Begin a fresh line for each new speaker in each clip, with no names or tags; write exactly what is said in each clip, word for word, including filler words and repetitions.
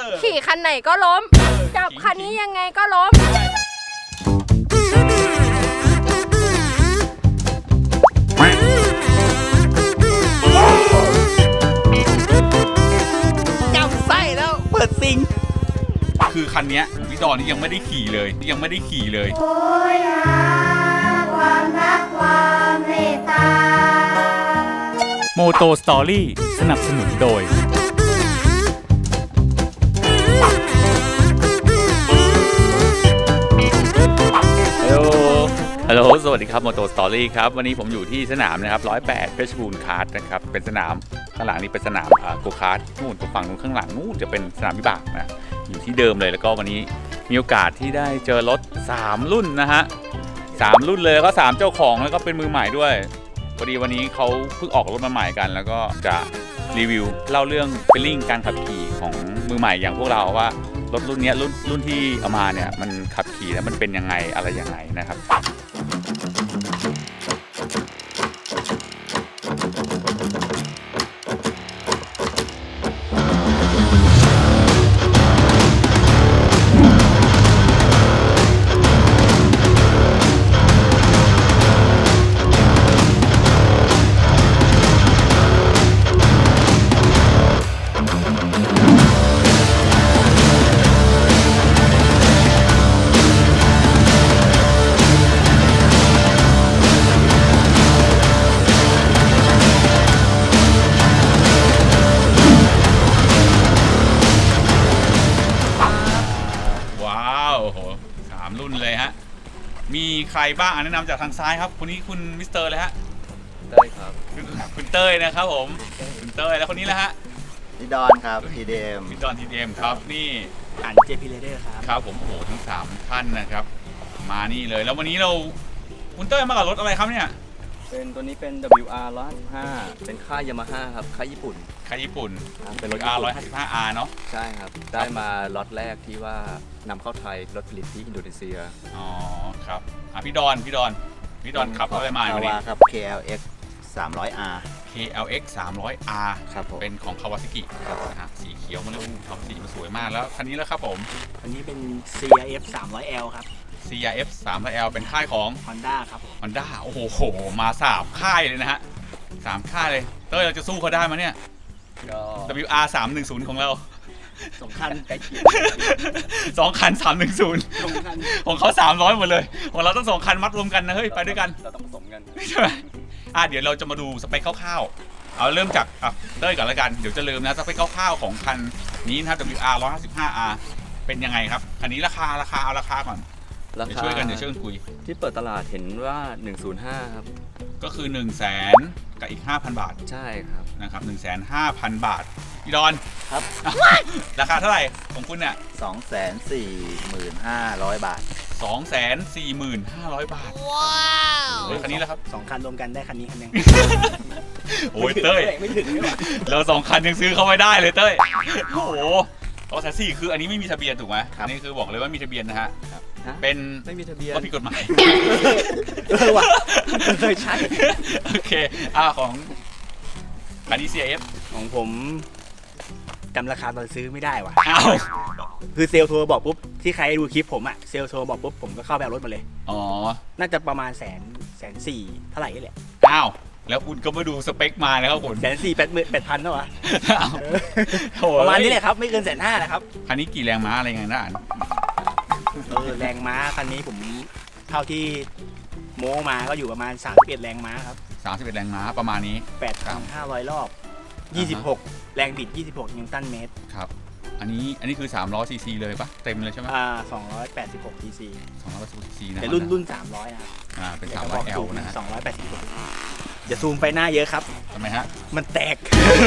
ขี่คันไหนก็ล้มจับคันนี้ยังไงก็ล้ม
จำไส้แล้วเปิดซิง
คือคันนี้พี่ดอนนี่ยังไม่ได้ขี่เลยยังไม่ได้ขี่เลย
โอยหาความรักความเมตตา
โมโตสตอรี่สนับสนุนโดยฮัลโหล สวัสดีครับโมโตสตอรี่ครับวันนี้ผมอยู่ที่สนามนะครับร้อยแปดเพชรบูรณ์คาร์ทนะครับเป็นสนามข้างหลังนี้เป็นสนามโกคาร์ทนู่นตรงฝั่งนู้นข้างหลังนู่นจะเป็นสนามวิบากนะอยู่ที่เดิมเลยแล้วก็วันนี้มีโอกาสที่ได้เจอรถสามรุ่นนะฮะสามรุ่นเลยแล้วก็สามเจ้าของแล้วก็เป็นมือใหม่ด้วยพอดีวันนี้เขาเพิ่งออกรถมาใหม่กันแล้วก็จะรีวิวเล่าเรื่องฟีลลิ่งการขับขี่ของมือใหม่อย่างพวกเราว่ารถรุ่นนี้รุ่นรุ่นที่เอามาเนี่ยมันขับขี่แล้วมันเป็นยังไงอะไรยังไงนะครับมีใครบ้างแนะนำจากทางซ้ายครับคนนี้คุณมิสเตอร์เลยฮะ
เต้ยครับ
คุณเต้ยนะครับผมคุณเต้ยแล้วคนนี้แหละฮะ
พี่ดอนครับทีเดม
พี่ดอนทีเดมครับนี่
อันเจพีเลเดอร์ครับ
ครับผมโอ้โหทั้งสามท่านนะครับมานี่เลยแล้ววันนี้เราคุณเต้ยมากับรถอะไรครับเนี่ย
เป็นตัวนี้เป็น ดับเบิลยู อาร์ หนึ่งร้อยห้าสิบห้าเป็นค่ายยามาฮ่าครับค่ายญี่ปุ่น
ค่ายญี่ปุ่น
เป็นรถ
อาร์ หนึ่งร้อยห้าสิบห้า อาร์ เนาะ
ใช่ครับได้มาล็อตแรกที่ว่านำเข้าไทยรถผลิตที่อินโดนีเซีย
อ๋อครับอ่ะพี่ดอนพี่ดอนพี่ดอนขับรถอะไรมาวันนี้
ครับ เค แอล เอ็กซ์ สามร้อย อาร์
เค แอล เอ็กซ์ สามร้อย อาร์
ครับผม
เป็นของคาวาซากินะฮะสีเขียวมันเลยทำสีมันสวยมากแล้วคันนี้แล้วครับผม
อันนี้เป็น ซี อาร์ เอฟ สามร้อย แอล ครับ
ซี อาร์ เอฟ สามร้อย แอล เป็นค่ายของ
Honda ครับ
Honda โอ้โหมาสามค่ายเลยนะฮะสามค่ายเลยเต้ยเราจะสู้เขาได้ไหมเนี่ย ดับเบิลยู อาร์ สามหนึ่งศูนย์ ของเรา
สองคันใกล้เคียง
สองคันสามหนึ่งศูนย์ของเขาสามร้อยหมดเลยของเราต้องสองคันมัดรวมกันนะเฮ้ยไปด้วยกัน
เราต้องผสมกัน
ใช่ไหมอ่ะเดี๋ยวเราจะมาดูสเปคคร่าวๆเอาเริ่มจากอ่ะเต้ยก่อนแล้วกันเดี๋ยวจะลืมนะสเปคคร่าวๆของคันนี้นะครับ ดับเบิลยู อาร์ หนึ่งร้อยห้าสิบห้า อาร์ เป็นยังไงครับคันนี้ราคาราคาเอาราคาก่อนเดี๋ยวช่วยกันเดี๋ยวช่วยกันคุย
ที่เปิดตลาดเห็นว่าหนึ่งศูนย์ห้าครับ
ก็คือ หนึ่งแสน กับอีก ห้าพัน บาท
ใช่ครับ
นะครับ หนึ่งแสนห้าพัน บาทพี่ดอน
ครับ
ราคาเท่าไหร่ของคุณเนี่ย
สองแสนสี่หมื่นห้าร้อย บาท
สองแสนสี่หมื่นห้าร้อย บาทว้าวคันนี้แล้วครับ
สองคันรวมกันได้คันนี้คันนึง
โอ้ยเต้ยไม่ถึงเราสองคันยังซื้อเข้าไม่ได้เลยเต้ยโอ้โหสองแสนสี่คืออันนี้ไม่มีทะเบียนถูกไหมอันนี้คือบอกเลยว่ามีทะเบียนนะฮะเป็น
ไม่มีทะเบียน
ก็ผิดกฎหมาย
เออว่ะเคยใช้
โอเคอ่าของอันนี้ ซี เอฟ
ของผมจำราคาตอนซื้อไม่ได้ว่ะ
อ้าว
คือเซลล์โทรบอกปุ๊บที่ใครดูคลิปผมอะเซลล์โทรบอกปุ๊บผมก็เข้าไปเอารถมาเลย
อ๋อ
น่าจะประมาณแสนแสนสี่เท่าไหร่นี่แหละ
อ้าวแล้วคุณก็มาดูสเปคมานะครับคุณ
แสนสี่แปดหมื่นแปดพันเท่าไหร่ประมาณนี้แหละครับไม่เกินแสนห้านะครับ
คันนี้กี่แรงม้าอะไรไงนะอ่าน
เออแรงม้าคันนี้ผมเท่าที่โม้มาก็อยู่ประมาณสามสิบเอ็ดแรงม้าครับ
สามสิบเอ็ดแรงม้าประมาณนี้
แปดพันห้าร้อยรอบยี่สิบหกแรงบิดยี่สิบหกนิวตันเมตร
ครับอันนี้อันนี้คือสามร้อยซีซีเลยปะเต็มเลยใช่ไหม
อ่าสองร้อยแปดสิบหกซีซี
สองร้อยแปดสิบหกซีซีนะ
แต่รุ่นรุ่นสามร้อยนะครับ
อ่าเป็นสามร้อยแอลนะ
สองร้อยแปดสิบหกอย่าซูมไปหน้าเยอะครับ
ทำไมฮะ
มันแตก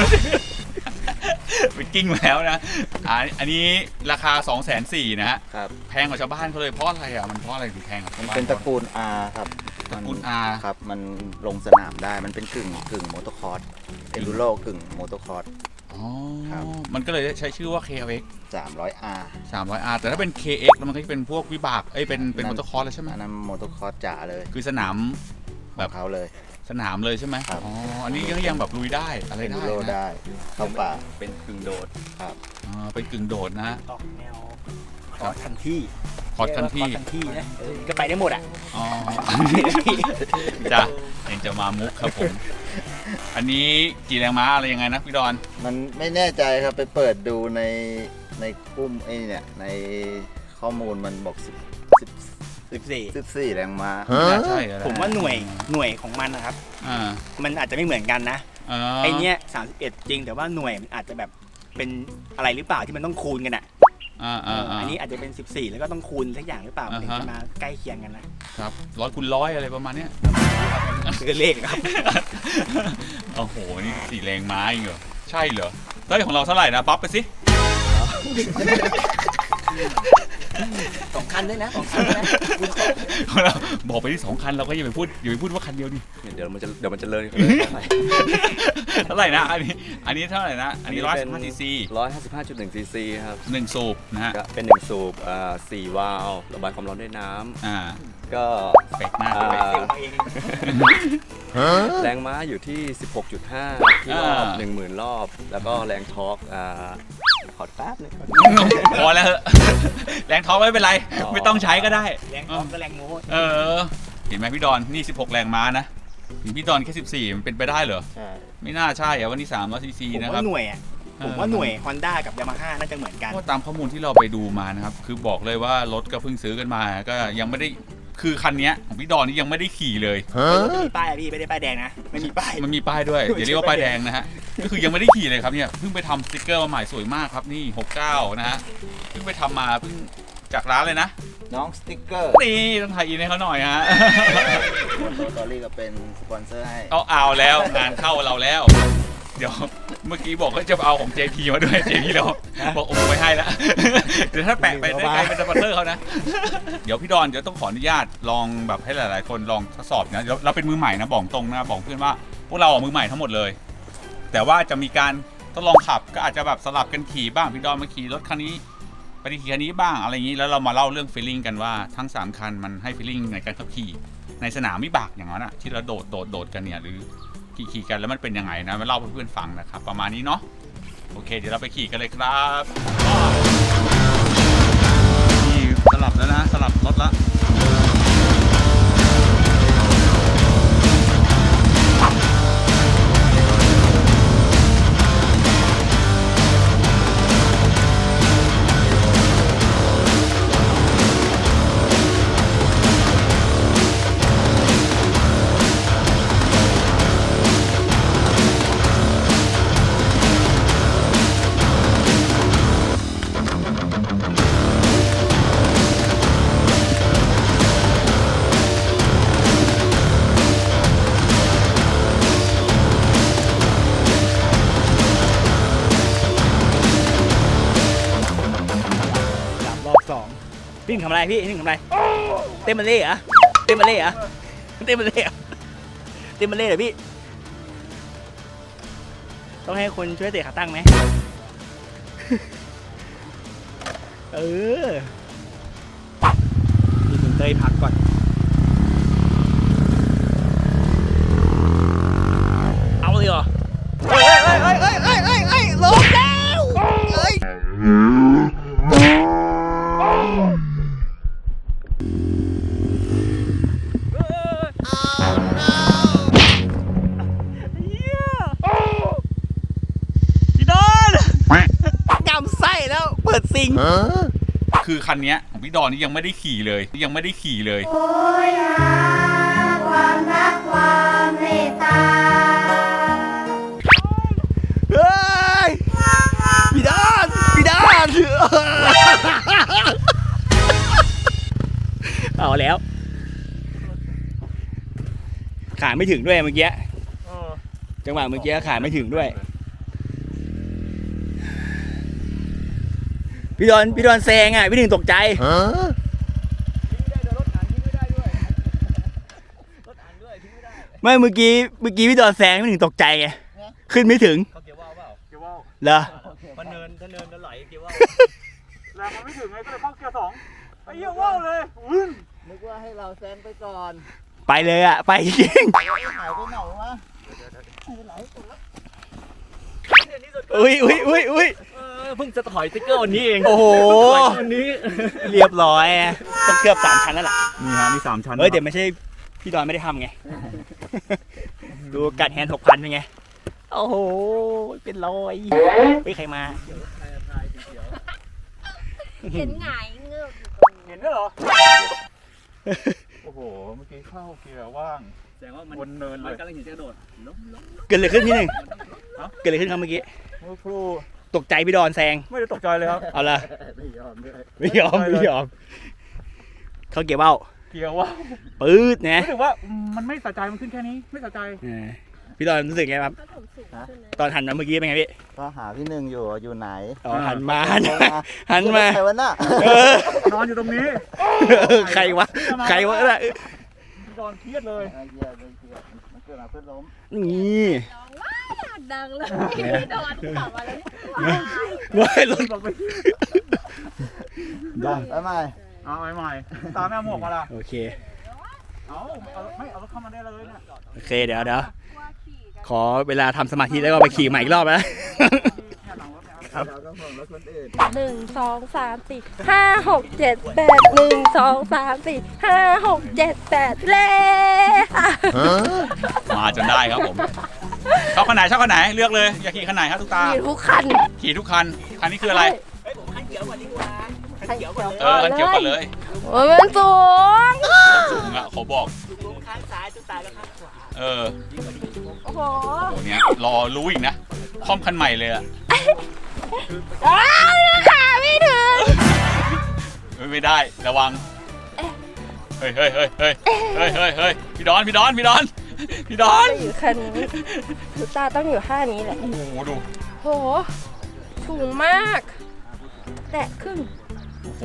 ไปกิ้งแล้วนะอันนี้ราคา สองแสนสี่หมื่น นะฮะแพงกว่าชาวบ้านเขาเลยเพราะอะไรอ่ะมันเพราะอะไรถึงแพงกว่าชาวบ้าน
เป็นตระกูล R ครับ
ตระกูล R
ครับมันลงสนามได้มันเป็นกึ่งกึ่งมอเตอร์คอร์สเอลูโรกึ่งมอเตอร์คอร์ส
อ๋อมันก็เลยใช้ชื่อว่า เค แอล เอ็กซ์
สามร้อย อาร์
สามร้อย อาร์ แต่ถ้าเป็น เค เอ็กซ์ แล้วมันก็จะเป็นพวกวิบากเอ้ยเป็นเป็นมอเตอร์คอร์สแล้วใช่ไหม
อันนั้นมอเตอร์คอร์สจ๋าเลย
คือสนาม
แบบเขาเลย
สนามเลยใช่ไหม
ครับ
อ๋ออันนี้ก็ยังแบบลุยได้อะไร
เอน
ได้
ดูโร
นะ
ได้เข้าป่า
เป็นกึ่งโดด
ครับ
อ๋อเป็นกึ่งโดดนะ
ออกแนวคอร์สคันที่
คอร์สคันที่
คอร์สคันที่นะเออก็ไปได้หมดอ่ะ
อ๋อ จ้ะยังจะมามุกครับผม อันนี้กี่แรงม้าอะไรยังไงนะพี่ดอน
มันไม่แน่ใจครับไปเปิดดูในในกลุ่มไอ้เนี่ยในข้อมูลมันบอกสิบสิบ
สิบสี่
สิบสี่แรงม้า
น่าใช่อะไร
ผมว่าหน่วยหน่วยของมันนะครับ
อ่า
มันอาจจะไม่เหมือนกันนะ
อ่า
ไอเนี้ยสามสิบเอ็ดจริงแต่ว่าหน่วยมันอาจจะแบบเป็นอะไรหรือเปล่าที่มันต้องคูณกันอ่ะ
อ่าอ่าอ่า
อันนี้อาจจะเป็นสิบสี่แล้วก็ต้องคูณสักอย่างหรือเปล่ามันถึง
อ่าฮะ
จะมาใกล้เคียงกันนะครับ
ร้อยคูณร้อยอะไรประมาณเนี้ย
คือเลขครับ
โอ้โห นี่สี่แรงม้าเองเหรอ ใช่เหรอเฮ้ยของเราเท่าไหร่นะปั๊บไปสิ
สองคันด้วยนะสองคันด้วยนะ
ของเราบอกไปที่สองคันเราก็อย่าไปพูดอย่าไปพูดว่าคันเดียวดิ
เดี๋ยวมันจะเดี๋ยวมันจะเลย
เท่าไหร่นะ อันนี้ อันนี้เท่าไหร่นะ อันนี้ร้อยสิบห้าซีซี
ร้อยห้าสิบห้าจุดหนึ่งซีซีครับ
หนึ่งสูบนะฮะ
ก็เป็นหนึ่งสูบอ่าสี่วาล์วระบายความร้อนด้วยน้
อ่า
ำก็
เฟกหน้า
อ่า
เฟก
เซลล์มาเอง
แรงม้าอยู่ที่ สิบหกจุดห้า ที่รอบ
อ่า
หนึ่งหมื่น รอบ แล้วก็แรงทอร์กอ่าขอแป๊บนึง
พอแล้วเหอะแรงท้องไม่เป็นไร
อ๋อ
ไม่ต้องใช้ก็ได้
แรงท้องก็แรงโม้
เออ เห็นไหมพี่ดอน นี่สิบหกแรงม้านะเห็นพี่ดอนแค่สิบสี่มันเป็นไปได้เหรอ
ใช่
ไม่น่าใช่อะวันนี้สามร้อยซีซี
ผม
นะครั
ว่า
บ
หน่วยอ่ะผมว่าหน่วย Honda กับ Yamaha น่าจะเหมือนกัน
เพราะตามข้อมูลที่เราไปดูมานะครับ คือบอกเลยว่ารถก็เพิ่งซื้อกันมา ก็ยังไม่ได้ คือคันเนี้ยของพี่ดอนนี่ยังไม่ได้ขี่เลย
ไม่มีป้ายอะพี่ไม่ได้ป้ายแดงนะไม่มีป้าย
มันมีป้ายด้วย อย่าเรียกว่าป้ายแดงนะฮะ ก็คือยังไม่ได้ขี่เลยครับเนี่ย เพิ่งไปทำสติกเกอร์มาใหม่สวยมากครับนี่หกเก้านะฮะ เพิ่งไปทำมาเพิ่งจากร้านเลยนะ
น้องสติ๊กเกอร์
นี่ต้องถ่ายอินให้เขาหน่อยฮะ
โตตอรี่ก็เป็นสปอนเซอร์ให้
เอาเอาแล้วงานเข้าเราแล้ว เดี๋ยวเมื่อกี้บอกว่าจะเอาของ เจ พี มาด้วย เจ พี เราบอกโอ้ไม่ให้ละ เดี๋ยวถ้าแปะไปได้ไกลเป็นสปอนเซอร์เขานะ เดี๋ยวพี่ดอนเดี๋ยวต้องขออนุญาตลองแบบให้หลายๆคนลองทดสอบนะเดี๋ยวเราเป็นมือใหม่นะบอกตรงนะบอกเพื่อนว่าพวกเราอ่ะมือใหม่ทั้งหมดเลย แต่ว่าจะมีการทดลองขับก็อาจจะแบบสลับกันขี่บ้างพี่ดอนมาขี่รถคันนี้ไปขี่คันนี้บ้างอะไรอย่างนี้แล้วเรามาเล่าเรื่องฟีลลิ่งกันว่าทั้งสามคันมันให้ฟีลลิ่งในการขับขี่ในสนามวิบากอย่างนั้นอ่ะที่เราโดดโดดโดดกันเนี่ยหรือขี่ขี่กันแล้วมันเป็นยังไงนะมาเล่าให้เพื่อนฟังนะครับประมาณนี้เนาะโอเคเดี๋ยวเราไปขี่กันเลยครับนี่สลับแล้วนะสลับรถละ
รอบสองพี่หนึ่งทำอะไรพี่พี่หนึ่งทำอะไรเต้นมาเล่เหรอเต้นมาเล่เหรอเต้นมาเล่เหรอเต้นมาเล่เหรอพี่ต้องให้คนช่วยเตะขาตั้งไหม เออมีคุณเต้ยพักก่อนเอาเลยเหรอเฮ้ยเฮ้ยเฮ้ยเฮ้ยเฮ้ยเฮ้ยเฮ้ยลงแล้วเฮ้ย พี่ดอนกำไส้แล้วเปิดซิง
คือคันเนี้ยของพี่ดอนนี่ยังไม่ได้ขี่เลยยังไม่ได้ขี่เลย
โอยหาความรักความเมตตา
เฮ้ยพี่ดอนพี่ดอนเอาแล้ว ขาไม่ถึงด้วยเมื่อกี้จังหวะเมื่อกี้ขาไม่ถึงด้วย พี่ดอนพี่ดอนแซงอ่ะพี่หนึ่งตกใจไม่เมื่อกี้เมื่อกี้พี่ดอนแซงพี่หนึ่งตกใจไงขึ้นไม่ถึง
เขาเกี่ยวว่าวเปล่า
เกียร์ว่าว
เหรอ
มันเนินถ้าเนินจะไหลเกี่ยวว่าว
แรงมันไม่ถึงไงก็เลยเข้าเกียร์สองไอ้เหี้ยว่าวเลย
นึกว่าให้เราแซงไปก่อน
อ
ไปเลยอ่ะไปจริง
หายไปไหนวะ
อุ้ยอุ้ยอุ้ยอุ้ย
เพิ่งจะถอยสติ๊กเกอร์วันนี้เอง
โอ้โห
วันนี้
เรียบร้อยต้องเคลือบสามชั้นแล้วล่ะ
นี่ฮะนี่สามชั้น
เฮ้ยแต่ไม่ใช่พี่ดอนไม่ได้ทำไง ดูกัดแฮนด์หกพันเป็นไง โอ้โห เป็นรอยไม่ใครมา
เห็นหงายเงือก
เห็นด้วยเหรอโอ้โหเมื่อกี้เข้าเกียร์ว่าง
แสดงว่ามัน
บนเนินเล
มัน
ย
กำลังจะกระโดดล้มล้ม
เกิดอะไรขึ้นพี่หนึ่ง
ฮะ
เกิดอะไรขึ้นครับเมื่อกี้
เมื่อครู
ตกใจพี่ดอนแซง
ไม่ได้ตกใจเลยครับ
เอาละ
ไม่ยอมด้วย
ไม่ยอมไม่ยอม เขาเกี่ยวเบ้า
เกียร์ว่าง
ปื๊ดนะ
รู้สึกว่ามันไม่สะใจมันขึ้นแค่นี้ไม่สะใจ
เออพี่ดอนรู้สึกไงครับ
ก็ผมสูงขึ้นนะ
ตอนหันมาเมื่อกี้เป็นไงพี่
ก็หาพี่หนึ่งอยู่อยู่ไหน
อ๋อหันมาหันมาหันมา
ใครวะน่ะ
เออน
อนอยู่ตรงนี้
เออใครวะ ใครวะน่ะ
นอนเครียดเลย
ไอ้เหี้ยเลยเหี้ยมันเกิดมาเพื่อล้ม
นี่
ร้องว้าดังเลยพี่โดนขับมาแล้วเนี่ย
ว้ายรถ
ได้ไปใหม่
เอาใหม่ๆตามแม่หมวกมาละ
โอเค
เอาเอาไม่เอารถเข้ามาได้เลยเนี่ย
โอเคเดี๋ยวเดี๋ยวขอเวลาทำสมาธิแล้วก็ไปขี่ใหม่อีกรอบนะ
เราก็ห่วงรถคนอื่น
หนึ่งสองสามสี่ห้าหกเจ็ดแปดหนึ่งสองสามสี่ห้าหกเจ็ดแปดเล่
มาจนได้ครับผมชอบคันไหนชอบคันไหนเลือกเลยอยากขี่คันไหนครับทุกตา
ขี่ทุกคัน
ขี่ทุกคันคันนี้คืออะไร
เฮ้ยผมคันเขียวก่อนดีกว่าคันเขียวก่อน
เออคันเขียวก่อนเลย
โอ้ยมันสูง
สูงอ่ะเขาบอก
ลงข้างซ้ายจุดตายแล้วข้างขวา
เออ
โอ้โห
โหเนี้ยรอรู้อีกนะคอมคันใหม่เลยอะ
อ้าวขาไม่ถึง
ไม่ไม่ได้ระวังเฮ้ยเฮ้ยเฮ้ยเฮ้ยเฮ้ยเฮ้ยเฮ้ยพี่ดอนพี่ดอนพี่ดอนพี่ดอน
จะอยู่คันนี้ทุกตาต้องอยู่ท่านี้แหละ
โอ้โหดู
โหสูงมาก แตะครึ่ง
โอ้โห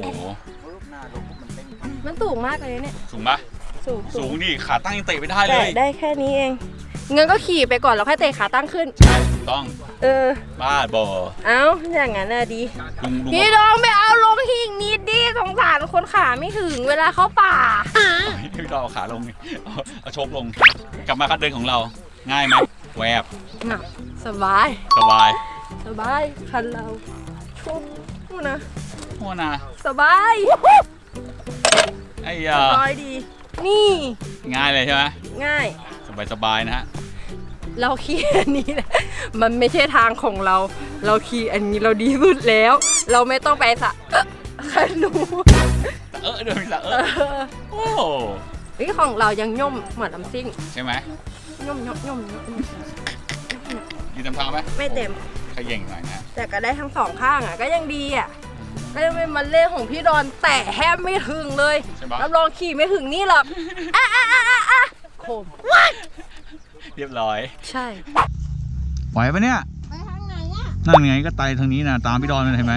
มันสูงมากเลยเนี่ย
สูงปะ
สูง
สูงนี่ขาตั้งยังเตะไม่ได้เล
แตะ
ย
ได้แค่นี้เองงั้นก็ขี่ไปก่อนแล้วค่อยเตะขาตั้งขึ้น
ถูกต้อง
เออ
บ้าบอ
เอ้า อย่างนั้นน่ะดี
ลุงลุง
พี่ดองไปเอาลงที่อีกนิดดิสงสารคนขาไม่ถึงเวลาเข้าป่า
พี่ดอนเอาขาลงนี่เอาเอาชกลงกลับมาคัดเดินของเราง่ายไหมแวบ
น่ะสบาย
สบาย
สบาย คันเราชุ่มนู่นนะ
โอ้นะ
สบาย
ไอ้
ส
ยา
บายดี นี่
ง่ายเลยใช่ไหม
ง่าย
สบายสบายนะฮะ
เราขี่อันนี้แหละมันไม่ใช่ทางของเรา เราขี่อันนี้เราดีสุดแล้ว เราไม่ต้องไปสะเอ๊ะคันหนู
เออเดินไปละเอ
เอ
อ
อ
โอ้
เฮ้ยของเรายังย่อมเหมือนลำซิ่ง
ใช่ไหม
ย่อมย่อมย่อมย่อม
ยืนทำทางไหม
ไม่เต็ม
ขย่งหน่อยนะ
แต่ก็ได้ทั้งสองข้างอ่ะก็ยังดีอ่ะก็ยังเป็นมันเล่นของพี่ดอนแต่แทบไม่ถึงเลย
ใช่ปะ
รับรองขี่ไม่ถึงนี่หรอกอ่ะอ่ะอ่ะอ่ะอ่ะโคม
เรียบร้อย
ใช่
ไหวปะเนี่ย
ไปทางไหนอ่ะ
นั่นไงก็ไตทางนี้นะตามพี่ดอนมันเห็นไหม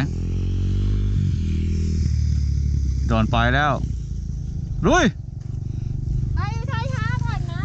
ดอนไปแล้วลุย
ไปช้าๆก่อนนะ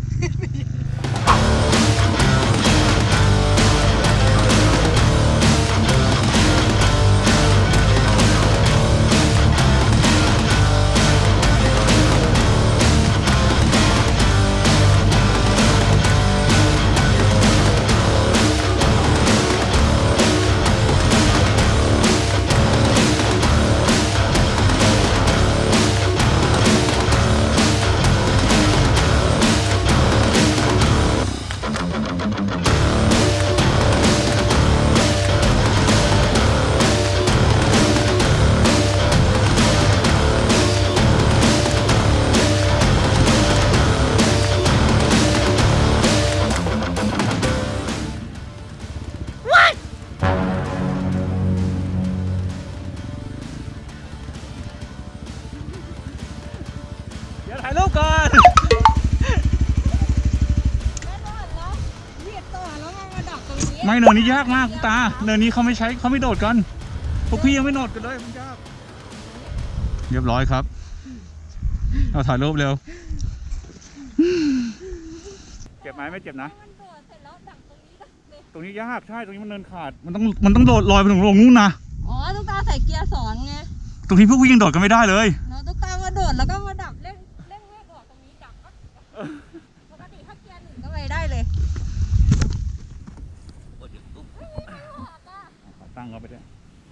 เดี๋ยวถ่ายรูปก่อน ไม่เนินนี้ยากมากคุณตาเนินนี้เขาไม่ใช้เขาไม่โดดกันพวกพี่ยังไม่โดดกันเลยมันยากเรียบร้อยครับเอาถ่ายรูปเร็วเจ็บไหมไม่เจ็บนะตรงนี้ยากใช่ตรงนี้มันเนินขาดมันต้องมันต้องโดดลอยไปถึงลงนู้นนะ
อ๋อตุ๊กตาใส่เกียร์สอนไง
ตรงนี้พวกพี่ยังโดดกันไม่ได้เลย
เนาะตุ๊กตามาโดดแล้วก็มาดับเร่งเร่งเร่งออกตรงนี้ดับก็
งเข้าไปด้วย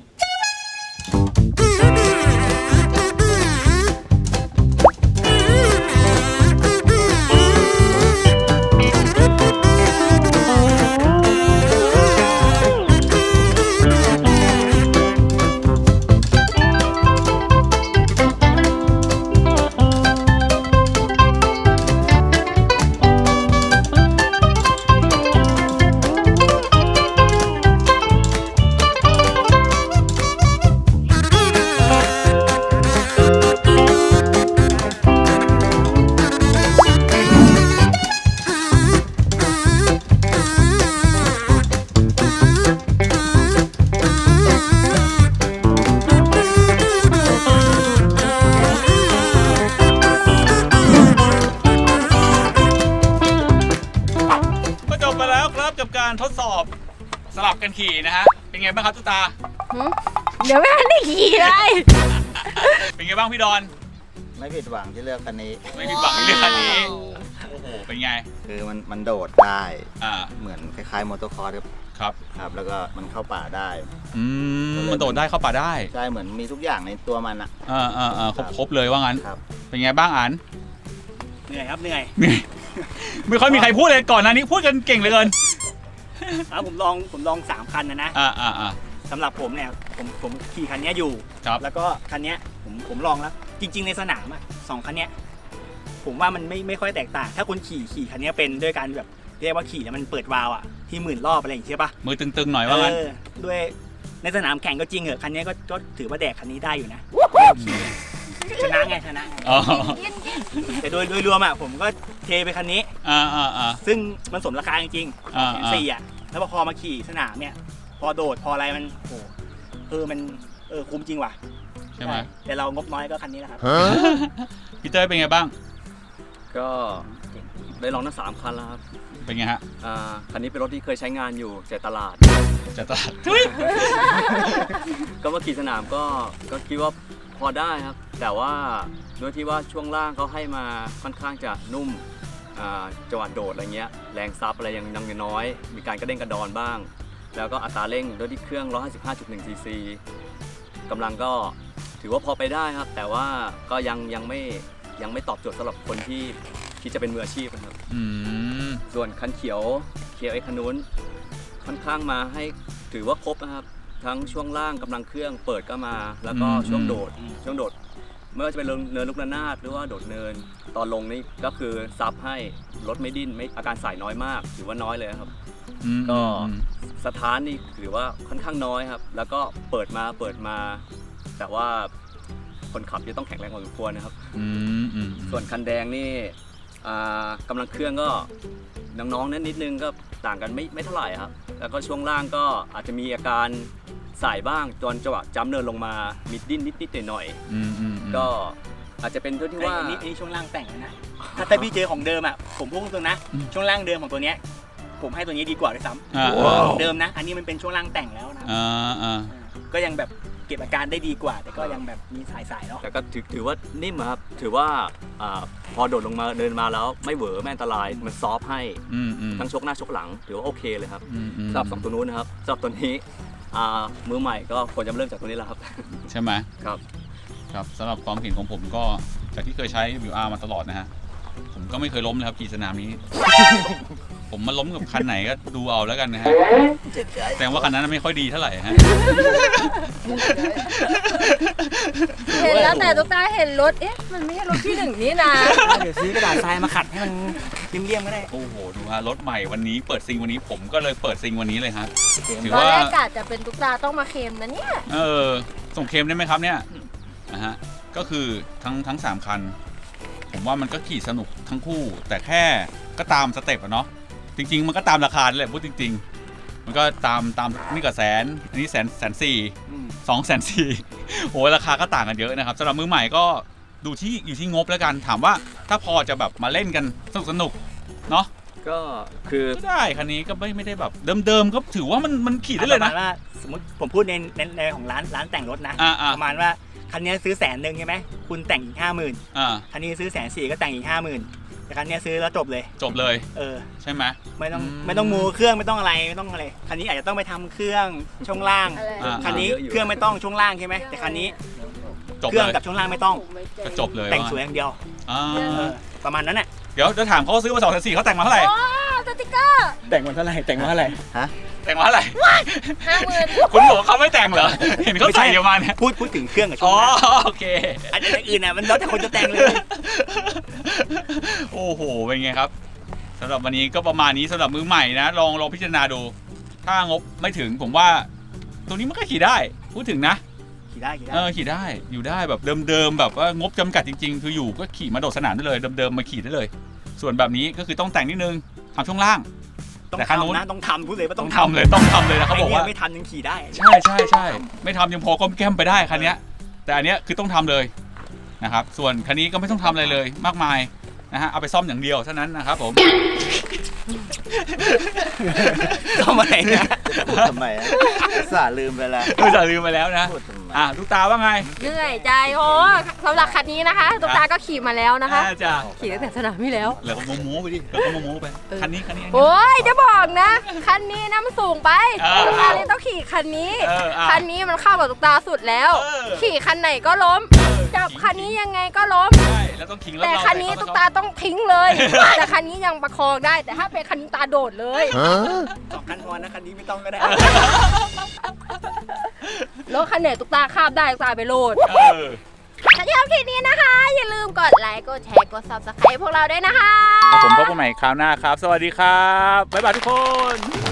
ก็จบไปแล้วครับกับการทดสอบสลับกันขี่นะฮะเป็นไงบ้างครับตุ๊กตา
หึเดี๋ยวไม่ทันได้ขี่เลย
เป็นไงบ้างพี่ดอน
ไม่ผิดหวังที่เลือกคันนี้
ไม่ผิดหวังในเรื่องคันนี้โอ้โหเป็นไง
คือมันมันโดดได้
อ่า
เหมือนคล้ายๆมอเตอร์คอร์สครับ
ครับ
ครับ แล้วก็มันเข้าป่าได้
อืมมันโดดได้เข้าป่าได้
ใช่เหมือนมีทุกอย่างในตัวมันอะ
อ่าอ่าอ่าครบครบเลยว่างั้น
ครับ
เป็นไงบ้างอัน
เหนื่อยครับเหนื่อย
ไม่ค่อยมีใครพูดเลยก่อนหนะนี้พูดกันเก่งเหลือเกิน
อ่ะผมลองผมลองสามคันนะนะ
อ่าอ่าอ่า
สำหรับผมเนี่ยผมผมขี่คันเนี้ยอยู่
ครับ
แล้วก็คันเนี้ยผมผมลองแล้ว จริง ๆ ในสนามอ่ะสองคันเนี้ยผมว่ามันไม่ไม่ค่อยแตกต่าง ถ้าคนขี่ขี่คันเนี้ยเป็นด้วยการแบบเรียกว่าขี่แล้วมันเปิดวาล์วอ่ะที่หมื่นรอบอะไรอย่างเงี้ยใช่ปะ
มือตึงๆหน่อยว่างั้น
เออด้วยในสนามแข่งก็จริงเหอะคันเนี้ยก็ก็ถือว่าแดกคันนี้ได้อยู่นะชนะไงชนะไง
อ๋อ
แต่โดยโดยรวมอ่ะผมก็เทไปคันนี้
อ่าอ่าอ่า
ซึ่งมันสมราคาจริง
อ่า
ๆแสนสี่อ่ะแล้วพอมาขี่สนามเนี่ย พอโดดพออะไรมันโอ้เออมันเออคุ้มจริงว่ะ
ใช่ไหม
แต่เรางบน้อยก็คันนี้แหละครับ
พี่เต้ยเป็นไงบ้าง
ก็ได้ลองทั้งสามคันแล้วครับ
เป็นไงฮะ
อ่าคันนี้เป็นรถที่เคยใช้งานอยู่แต่ตลาด
จะตัด
ก็มาขี่สนามก็ก็คิดว่าพอได้ครับ แต่ว่าด้วยที่ว่าช่วงล่างเขาให้มาค่อนข้างจะนุ่มอ่าจังหวะโดดอะไรเงี้ยแรงซับอะไรยังยังน้อย มีการกระเด้งกระดอนบ้าง แล้วก็อัตราเร่งด้วยที่เครื่อง หนึ่งร้อยห้าสิบห้าจุดหนึ่ง ซีซีกำลังก็ถือว่าพอไปได้ครับ แต่ว่าก็ยังยังไม่ยังไม่ตอบโจทย์สำหรับคนที่คิดจะเป็นมืออาชีพนะครับ
อืม
ส่วนคันเขียวเขียวไอ้คันนู้นค่อนข้างมาให้ถือว่าครบนะครับ ทั้งช่วงล่างกำลังเครื่องเปิดก็มา แล้วก็ช่วงโดดช่วงโดดไม่ว่าจะเป็นเนินลูกระนาดหรือว่าโดดเนินตอนลงนี่ก็คือซับให้รถไม่ดิ้นไม่อาการสายน้อยมากถือว่าน้อยเลยครับ
อืม
ก็
อืม
สถานนี่ถือว่าค่อนข้างน้อยครับ แล้วก็เปิดมาเปิดมา แต่ว่าคนขับจะต้องแข็งแรงพอสมควรนะครับ
อืมอืม
ส่วนคันแดงนี่อ่ากำลังเครื่องก็น้องๆนั้นนิดนึงก็ต่างกันไม่ไม่เท่าไหร่ครับ แล้วก็ช่วงล่างก็อาจจะมีอาการสายบ้างตอนจังหวะจัมป์เนินลงมามิดดิ้นนิดๆหน่อย
อืมอืม
ๆก็อาจจะเป็นด้วยที่ว่า
อันนี้อันนี้ช่วงล่างแต่งเลยนะ ถ้าถ้าพี่เจอของเดิมอ่ะผมพูดตรงๆนะ ช่วงล่างเดิมของตัวเนี้ยผมให้ตัวนี้ดีกว่าด้วยซ้
อ่า
ำของเดิมนะ อันนี้มันเป็นช่วงล่างแต่งแล้วนะ
อ่าอ่า
ก็ยังแบบเก็บอาการได้ดีกว่า แต่ก็ยังแบบมีสายๆเนาะ
แต่ก็ถือถือว่านิ่มอะครับถือว่าอ่าพอโดดลงมาเดินมาแล้วไม่เหวอไม่อันตรายมันซอฟต์ให้
อืมอืม
ทั้งชกหน้าชกหลังถือว่าโอเคเลยครับ
อืมอืม
สำหรับสองตัวนู้นนะครับสำหรับตัวนี้อ่ามือใหม่ก็ควรจะเริ่มจากตัวนี้แหละครับ
ใช่ไหม
ครับ
ครับสำหรับความเห็นของผมก็จากที่เคยใช้ ดับเบิลยู อาร์ มาตลอดนะฮะผมก็ไม่เคยล้มเลยครับขี่สนามนี้ ผมมาล้มกับคันไหนก็ดูเอาแล้วกันนะฮะแสดงว่าคันนั้นไม่ค่อยดีเท่าไหร่ฮะ
เห็นแล้วแต่ตุ๊กตาเห็นรถ เอ๊ะ มันไม่ใช่รถที่หนึ่งนี่นะ
เดี๋ยวซื้อกระดาษทรายมาขัดให้มันเลี่ยมๆก็ได้
โอ้โหดูฮะรถใหม่วันนี้เปิดซิงวันนี้ผมก็เลยเปิดซิงวันนี้เลยฮะถือ
ตอน
ว่า
แรกกะจะเป็นตุ๊กตาต้องมาเคลมนะเนี่ย
เออส่งเคลมได้ไหมครับเนี่ยนะฮะก็คือทั้งทั้งสามคัน ผมว่ามันก็ขี่สนุกทั้งคู่ แต่แค่ก็ตามสเต็ปอะเนาะจริง ๆ มันก็ตามราคาแหละพูดจริง ๆ มันก็ตามตามนี่ก็แสนอันนี้แสนแสนสี่สองแสนสี่โอ้ราคาก็ต่างกันเยอะนะครับสำหรับมือใหม่ก็ดูที่อยู่ที่งบแล้วกันถามว่าถ้าพอจะแบบมาเล่นกันสนุกสนุกเนาะ
ก็คือ
ก็ได้คันนี้ก็ไม่ไม่ได้แบบเดิมๆก็ถือว่ามันมันขี่ได้เลย
ป
นะ
ระมาณว่าสมมติผมพูดในในในของร้านร้านแต่งรถนะ
อ่าอ่า
ประมาณว่าคันนี้ซื้อแสนหนึ่งใช่ไหมคุณแต่งอีกห้าหมื่น
อ่า
คันนี้ซื้อแสนสี่ก็แต่งอีกห้าหมื่นแต่คันเนี้ยซื้อแล้วจบเลย
จบเลย
เออ
ใช่ไหม
ไม่ต้อง
อืม
ไม่ต้องมูเครื่องไม่ต้องอะไรไม่ต้องอะไรคันนี้อาจจะต้องไปทำเครื่องช่วงล่าง
อะไร
อ่า
คันนี้เครื่องไม่ต้องช่วงล่างใช่ไหมแต่คันนี้
จบ
เครื่อง
เลย
กับช่วงล่างไม่ต้อง
ก็จบเลย
แต่งสวยอย่างเดียว
อ่า
เออประมาณนั้นแหละ
เดี๋ยวจะถามเขาว่าซื้อมาสองแสนสี่เขาแต่งมาเท่าไหร่
โอ้สติกเกอร์
แต่งมันเท่าไหร่แต่งมาเท่าไหร่
แต่งมาเท่าไหร่
ห้าหมื่น
คุณบอกว่าเขาไม่แต่งเหรอ เห็นเขาใส่เยอะมาเนี่ย
พูดพูดถึงเครื่องกับช่
อ๋
ว
อง
ล่าง
โอเค
อันนี้อย่างอื่นน่ะมันแล้วแต่คนจะแต่งเลย
โอ้โห เป็นไงครับสำหรับวันนี้ก็ประมาณนี้สำหรับมือใหม่นะ ลองลองพิจารณาดู ถ้างบไม่ถึงผมว่า ตัวนี้มันก็ขี่ได้ พูดถึงนะ
ขี่ได้ขี่ได้
เออขี่ได้อยู่ได้แบบเดิมๆแบบว่างบจำกัดจริงๆ คืออยู่ก็ขี่มาโดดสนามได้เลยเดิมๆมาขี่ได้เลย ส่วนแบบนี้ก็คือต้องแต่งนิดนึงทำช่วงล่าง
ต้อง
แต่คันนู้น
ทำนะต้องทำพูดเลยว่า
ต้
ต้
อ
อง ง
ทำเลยต้องทำเลยนะเขาบอกว่า
ไเนี่ยไม่ทำยังขี่ได้
ใช่ใช่ใช่ไม่ทำยังพอก้มแก้มไปได้คันเนี้ยแต่อันเนี้ยคือต้องทำเลยนะครับส่วนคันนี้ก็ไม่ต้องทำอะไรเลยมากมายนะฮะเอาไปซ่อมอย่างเดียวเท่านั้นนะครับผม
ทำไมเนี่ย
พูดทำไมอะอุตส่าห์ลืมไปแล้ว
เออจะลืมไปแล้วนะ
พูดทำไม
อ่ะลูกตาว่าไง
เหนื่อยใจโอ้สำหรับคันนี้นะคะตุ๊กตาก็ขี่มาแล้วนะคะ
อ่าจ้ะ
ขี่ตั้งแต่สนามที่แล้ว
แล้วก็โมโม้ไปดิแล้วก็โมโม้ไปคันนี้คันนี้อันนี้
โอ้ยจะบอกนะ คันนี้นะมันสูงไป
เออ
ตุ๊กตาเลยต้องขี่คันนี้
เอออ่ะ
คันนี้มันเข้ากับตุ๊กตาสุดแล้ว
เออ
ขี่คันไหนก็ล้ม จับคันนี้ยังไงก็ล้ม
ใช่แล้วต้องขิงแล้ว
แต่
เรา
คันนี้
ไป
ตุ๊ก
เข้
ตาต้องทิ้งเลย แต่คันนี้ยังประคองได้ แต่ถ้าเป็นคันนี้ตาโดดเลย
สองคันพอนะคันนี้ไม่ต้องก็ได้
รถคันไหนตุ๊กตาคาบได้ตุ๊กตาไปโหลด
เออ
ถ้าชอบคลิปนี้นะคะ อย่าลืมกดไลค์ กดแชร์ กด ซับสไครบ์ พวกเราด้วยนะคะ
ผมพบกันใหม่คราวหน้าครับ สวัสดีครับ บ๊ายบายทุกคน